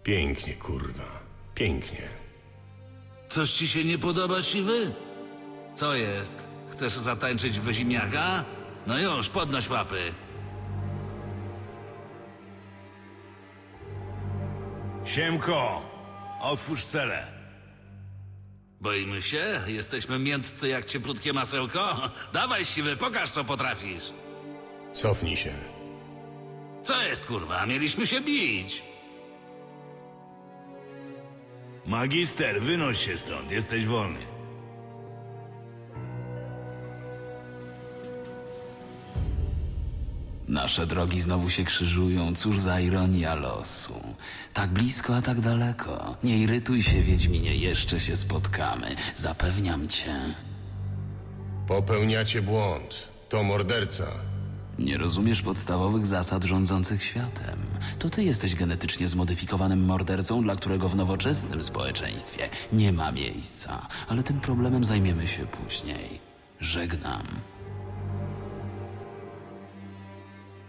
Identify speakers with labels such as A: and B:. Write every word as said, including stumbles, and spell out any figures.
A: Pięknie, kurwa. Pięknie.
B: Coś ci się nie podoba, siwy? Co jest? Chcesz zatańczyć w ziemniaka? No już, podnoś łapy.
C: Siemko, otwórz celę.
B: Boimy się? Jesteśmy miętcy jak cieplutkie masełko? Dawaj, siwy, pokaż co potrafisz.
A: Cofnij się.
B: Co jest, kurwa? Mieliśmy się bić.
C: Magister, wynoś się stąd, jesteś wolny.
D: Nasze drogi znowu się krzyżują, cóż za ironia losu. Tak blisko, a tak daleko. Nie irytuj się, Wiedźminie, jeszcze się spotkamy. Zapewniam cię.
A: Popełniacie błąd. To morderca.
D: Nie rozumiesz podstawowych zasad rządzących światem. To ty jesteś genetycznie zmodyfikowanym mordercą, dla którego w nowoczesnym społeczeństwie nie ma miejsca. Ale tym problemem zajmiemy się później. Żegnam.